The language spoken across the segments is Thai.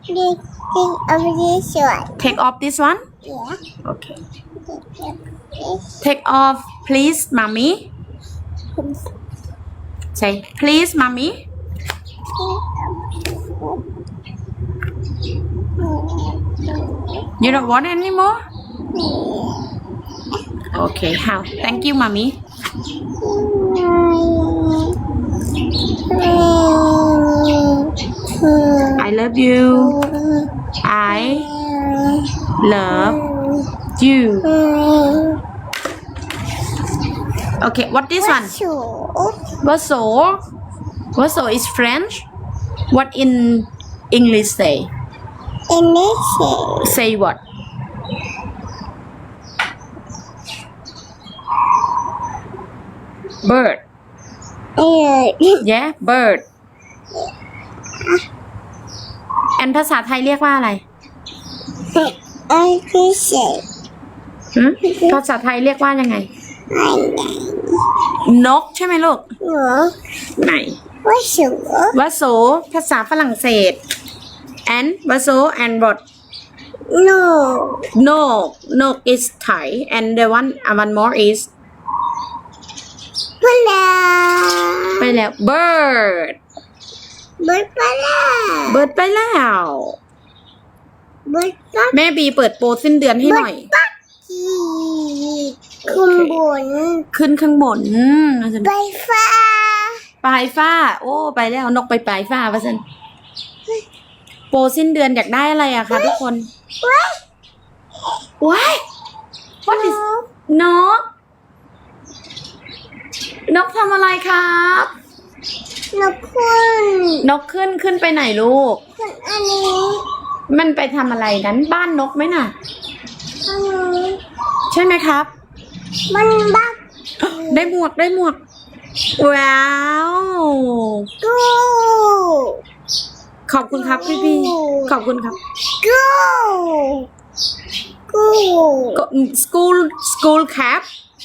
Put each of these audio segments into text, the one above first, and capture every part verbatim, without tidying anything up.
Take off this one. Take off this one. Yeah. Okay. Take off, please, mommy. Say, please, mommy. You don't want anymore? Okay, how? Thank you, mommy. I love you. I love you. Okay, what this one? Vaso. Vaso is French. What in English say? English. Say what? Bird. Yeah, bird. and ภาษาไทยเรียกว่าอะไร I appreciate. หืมภาษาไทยเรียกว่ายังไง นกใช่ไหมลูก ไหน What's your วาโสภาษาฝรั่งเศส and วาโส and what No. no no is Thai and the one uh, one more is Hello. ไปแล้ว bird Bird ไปแล้ว bird ไปแล้ว Bird ปักแม่บีเปิดโปรสิ้นเดือนให้หน่อยปักกีขึ้นบนขึ้นข้างบนไปฟ้าปลายฟ้า โอ้ไปแล้วนกไปปลายฟ้าว่าสันโปรสิ้นเดือนอยากได้อะไรอะคะทุกคนว้ายว้าย what is นก นกทำอะไรครับนกคุณนกขึ้นขึ้นไปไหนลูกคุณอันนี้มันไปทำอะไรนั้นบ้านนกไหมน่ะอันนี้ใช่ไหมครับมันบักได้หมวกได้หมวก ว้าวกูขอบคุณครับพี่พี่ขอบคุณครับกูกูก็ school school cap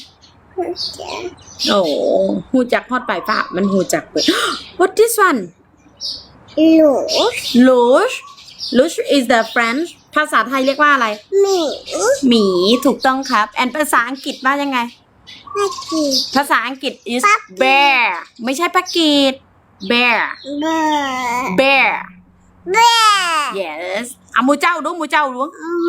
โอ้หูจักฮอดปลายฟ้ามันหูจักเปิด what this one หลู lush lush is the French ภาษาไทยเรียกว่าอะไรหมีหมีถูกต้องครับ แอนภาษาอังกฤษว่ายังไงปักกีภาษาอังกฤษ is ปักกี bear ไม่ใช่ปักกีด bear เบอร์ bear เบอร์ yes เอาหมูเจ้าดูหมูเจ้าดูมู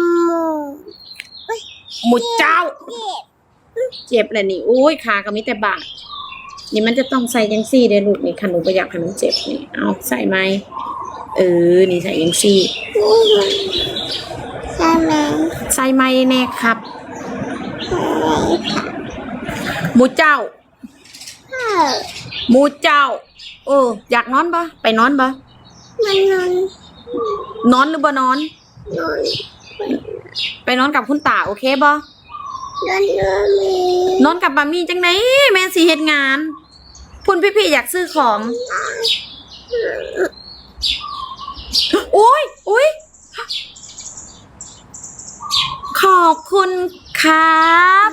หมูเจ้าเก็บเจ็บเลยนี่อุ้ยขาก็มีแต่บาดนี่มันจะต้องใส่ยังซี่เด้ลูกนี่ขนมประหยัดให้มันเจ็บนี่เอาใส่ไหมเออนี่ใส่ยังซี่ใช่ไหมใส่ไหมแน่ครับหมูเจ้าเออหมูเจ้าเอออยากนอนปะไปนอนปะมันนอนนอนหรือบ่นอนนอนไปนอนกับคุณตาโอเคบ่นอนนอนมีนอนกับบามี่จังไหนแม่สิเฮ็ดงานคุณพี่ๆอยากซื้อของโอ้ยโอ้ยขอบคุณครับ